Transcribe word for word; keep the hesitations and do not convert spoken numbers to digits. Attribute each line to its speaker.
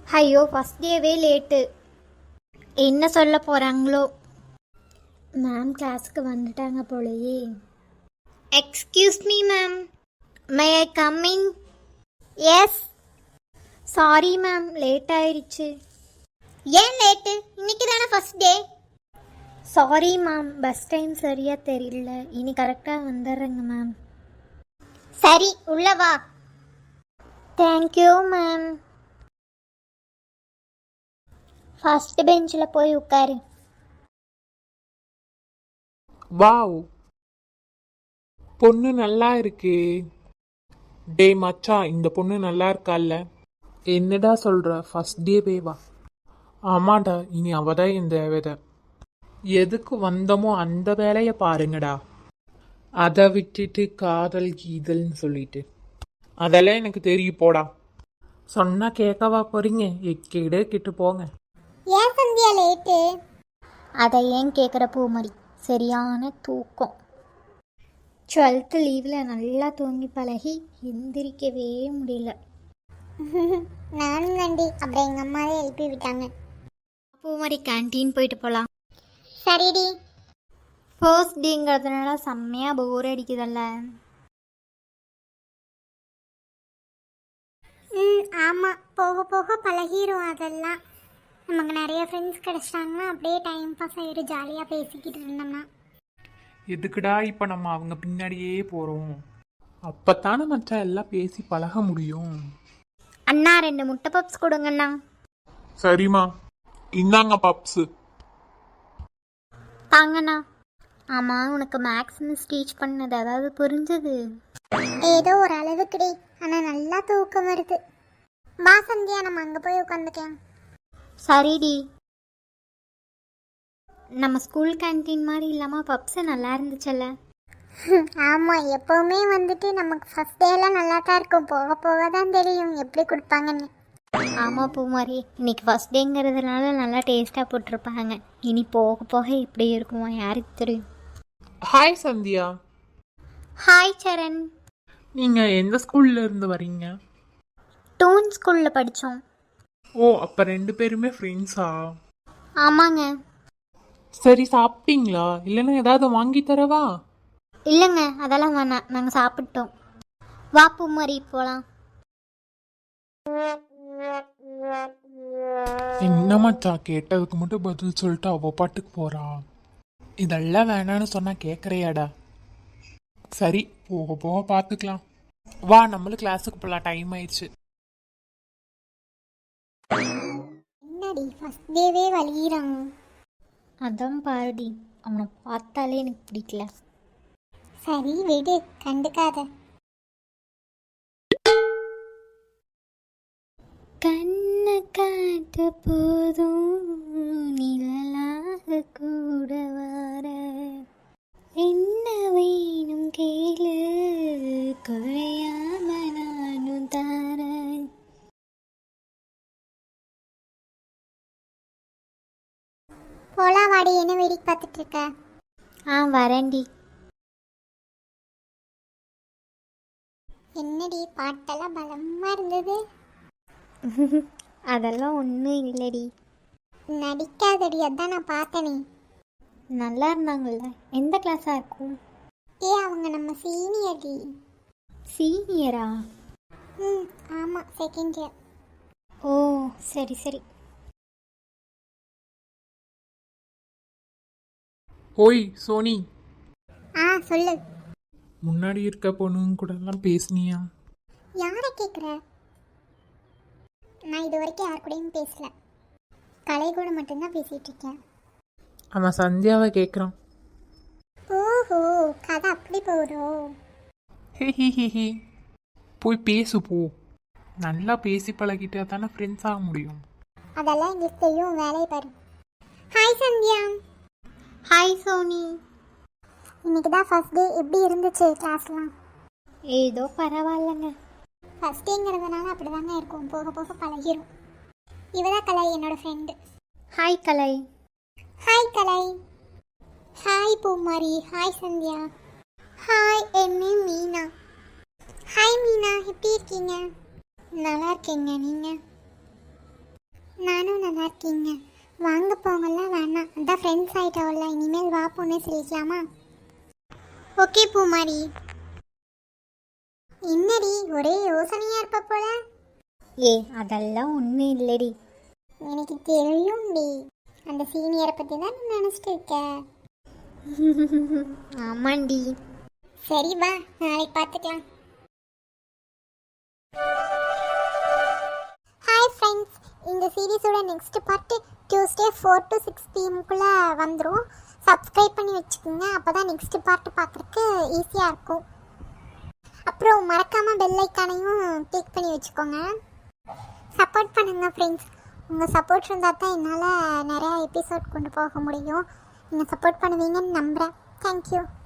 Speaker 1: ஐயோ ஃபஸ்ட் டேவே லேட்டு. என்ன சொல்ல போகிறாங்களோ. மேம் கிளாஸுக்கு வந்துட்டாங்க போலயே. Excuse me ma'am, may I coming? Yes. Sorry ma'am, late ஆயிடுச்சு. ஏன் லேட்டு? இன்னைக்கு தானே first day. Sorry ma'am, bus time சரியாக தெரியல. இனி கரெக்டாக வந்துடுறேங்க மேம். சரி, உள்ள வா. Thank you ma'am. ஃபர்ஸ்ட் பெஞ்சில் போய் உட்காரு.
Speaker 2: வாவ், பொண்ணு நல்லா இருக்கே. டே மச்சான், இந்த பொண்ணு நல்லா இருக்கால்ல? என்னடா சொல்ற? ஃபர்ஸ்ட் டே பேவா? ஆமாடா, இனி அவதான் என் தேவதை. எதுக்கு வந்தமோ அந்த வேலையை பாருங்கடா. அதை விட்டுட்டு காதல் கீதல்னு சொல்லிட்டு அதெல்லாம் எனக்கு தெரியும் போடா. சொன்னா கேட்கவா போறீங்க? எக்கேடு கிட்டு போங்க.
Speaker 1: ஏன் சந்தியா லேட்டு? அதை ஏன் கேட்குற பூமரி, சரியான தூக்கம். டுவெல்த்து லீவில் நல்லா தூங்கி பழகி எந்திரிக்கவே முடியல.
Speaker 3: நானும் நண்டி, அப்புறம் எங்கள் அம்மாவே எழுப்பி விட்டாங்க.
Speaker 1: பூமரி கேன்டீன் போயிட்டு போகலாம்.
Speaker 3: சரிடி.
Speaker 1: ஃபர்ஸ்ட் டேங்கிறதுனால செம்மையாக போர் அடிக்குதல்ல.
Speaker 3: ம் ஆமாம், போக போக பழகிரும். அதெல்லாம் நமக்கு நிறைய ஃப்ரெண்ட்ஸ் கிடச்சிட்டாங்கன்னா அப்படியே டைம் பாஸ் ஆகிடும், ஜாலியாக பேசிக்கிட்டு இருந்தோம்னா.
Speaker 2: எதுக்குடா இப்ப நம்ம அவங்க பின்னாடியே போறோம்? அப்பத்தானே மச்சான் எல்லாம் பேசி பழக முடியும்.
Speaker 1: அண்ணா ரெண்டு முட்டை பப்ஸ் கொடுங்கண்ணா.
Speaker 2: சரிம்மா, இந்தாங்க பப்ஸ்.
Speaker 1: தாங்கண்ணா. ஆமாம், உனக்கு மேக்ஸ் மிஸ் டீச் பண்ணது அதாவது புரிஞ்சது?
Speaker 3: ஏதோ ஒரு அளவுக்குடி, ஆனால் நல்லா தூக்கம் வருது. வா சந்தியா, நம்ம அங்கே போய் உட்காந்துக்கலாம்.
Speaker 1: சரிடி. நம்ம ஸ்கூல் கேன்டீன் மாதிரி இல்லாமல் பப்ஸு நல்லா இருந்துச்சல்ல?
Speaker 3: ஆமாம், எப்போவுமே வந்துட்டு நமக்கு ஃபஸ்ட் டேலாம் நல்லா தான் இருக்கும், போக போக தான் தெரியும் எப்படி கொடுப்பாங்கன்னு.
Speaker 1: ஆமாம் பூமாரி, இன்னைக்கு ஃபஸ்ட் டேங்கிறதுனால நல்லா டேஸ்ட்டாக போட்டிருப்பாங்க. இனி போக போக எப்படி இருக்குமோ யாருக்கு தெரியும்.
Speaker 2: ஹாய் சந்தியா.
Speaker 1: ஹாய் சரண்.
Speaker 2: நீங்க எந்த ஸ்கூல்ல இருந்து வரீங்க?
Speaker 1: டூன் ஸ்கூலில் படித்தோம்.
Speaker 2: ஓ, அப்ப ரெண்டு பேருமே ஃப்ரெண்ட்ஸா?
Speaker 1: ஆமாங்க.
Speaker 2: சரி, சாப்பிட்டீங்களா? இல்லைன்னா ஏதாவது வாங்கி தரவா?
Speaker 1: இல்லைங்க, அதெல்லாம் வேணாம், நாங்கள் சாப்பிட்டோம். வா பூமாரி போகலாம்.
Speaker 2: என்னமாச்சா, கேட்டதுக்கு மட்டும் பதில் சொல்லிட்டு அவ பாட்டுக்கு போறா. இதெல்லாம் வேணான்னு சொன்னா கேட்கறியாடா? சரி, போக போக பார்த்துக்கலாம். வா, நம்மளும் கிளாஸுக்கு போகலாம், டைம் ஆயிடுச்சு.
Speaker 3: என்னடி ஃபஸ்ட் டேவே வலிகிறான்?
Speaker 1: அதான் பாருடி, அவனை பார்த்தாலே எனக்கு பிடிக்கல.
Speaker 3: சரி விடு, கண்டுக்காத.
Speaker 1: கண்ணை காட்ட போதும் நிழலாக கூட வர, என்ன வேணும் கேளு குறையாம நானும் தரேன்.
Speaker 3: போலாம் வாடி, என்ன வேடிக்கை பார்த்துட்டு இருக்க?
Speaker 1: ஆ வரேன்டி.
Speaker 3: என்னடி பாட்டெல்லாம் பலமா இருந்தது.
Speaker 1: அதெல்லாம் ஒன்றும் இல்லடி.
Speaker 3: நடிக்காதடி, அதான் நான் பார்த்தனே.
Speaker 1: நல்லா இருந்தாங்கல்ல. எந்த கிளாஸாக இருக்கும்?
Speaker 3: ஏ, அவங்க நம்ம சீனியர்டி.
Speaker 1: சீனியரா?
Speaker 3: ம் ஆமாம், செகண்ட் இயர்.
Speaker 1: ஓ சரி சரி.
Speaker 2: ஓய் சோனி.
Speaker 3: ஆ சொல்லு.
Speaker 2: முன்னாடி இருக்க பொண்ணுங்க கூட எல்லாம் பேசுனியா?
Speaker 3: யாரை கேட்குற? நான் இது வரைக்கும் யார் கூடயும் பேசல, கலை கூட மட்டும்தான் பேசிகிட்டு இருக்கேன்.
Speaker 2: அவன் சந்தியாவை கேட்குறான்.
Speaker 3: ஓஹோ, கதை அப்படி போகிறோம்.
Speaker 2: ஹே ஹி ஹி ஹி. போய் பேசு போ. நல்லா பேசி பழகிட்டா தானே ஃப்ரெண்ட்ஸ் ஆக முடியும்.
Speaker 3: அதெல்லாம் எங்களுக்கு தெரியும், வேலையை பாரு. ஹாய் சந்தியா.
Speaker 1: ஹாய் சோனி.
Speaker 3: இன்னைக்கு தான் ஃபர்ஸ்ட் டே, எப்படி இருந்துச்சு கிளாஸ்லாம்?
Speaker 1: ஏதோ பரவாயில்லைங்க.
Speaker 3: ஃபர்ஸ்ட் டேங்கிறதுனால அப்படி தாங்க இருக்கும், போக போக பழகிரும். இவதான் கலை, என்னோட friend.
Speaker 1: Hi Kalai.
Speaker 3: Hi Kalai. Hi Poomari. Hi Sandhya. Hi, என் நேம் மீனா. ஹாய் மீனா, எப்படி இருக்கீங்க?
Speaker 1: நல்லா இருக்கீங்க நீங்கள்?
Speaker 3: நானும் நல்லா இருக்கீங்க. வாங்க போங்கலாம் வேணாம், அதான் ஃப்ரெண்ட்ஸ் ஆகிட்டோம்ல, இனிமேல் வா பொண்ணு சொல்லிக்கலாமா? ஓகே பூமாரி. என்னடி ஒரே யோசனையாக இருப்ப போல?
Speaker 1: ஏ அதெல்லாம் ஒன்றும் இல்லடி.
Speaker 3: எனக்கு தெரியும்டி, அந்த சீனியரை பற்றி தான் நினச்சிட்டு இருக்க.
Speaker 1: ஆமாண்டி.
Speaker 3: சரி வா, நாளைக்கு பார்த்துக்கலாம். ஹாய் ஃப்ரெண்ட்ஸ், இந்த சீரீஸோட next part Tuesday four to six பிஎம்குள்ளே வந்துடும். சப்ஸ்கிரைப் பண்ணி வச்சுக்கோங்க, அப்போ தான் நெக்ஸ்ட் பார்ட்டு பார்க்குறதுக்கு ஈஸியாக இருக்கும். அப்புறம் மறக்காமல் பெல் ஐக்கானையும் கிளிக் பண்ணி வச்சுக்கோங்க. சப்போர்ட் பண்ணுங்கள் ஃப்ரெண்ட்ஸ். உங்கள் சப்போர்ட் இருந்தால் தான் என்னால் நிறையா எபிசோட் கொண்டு போக முடியும். நீங்கள் சப்போர்ட் பண்ணுவீங்கன்னு நம்புகிறேன். தேங்க்யூ.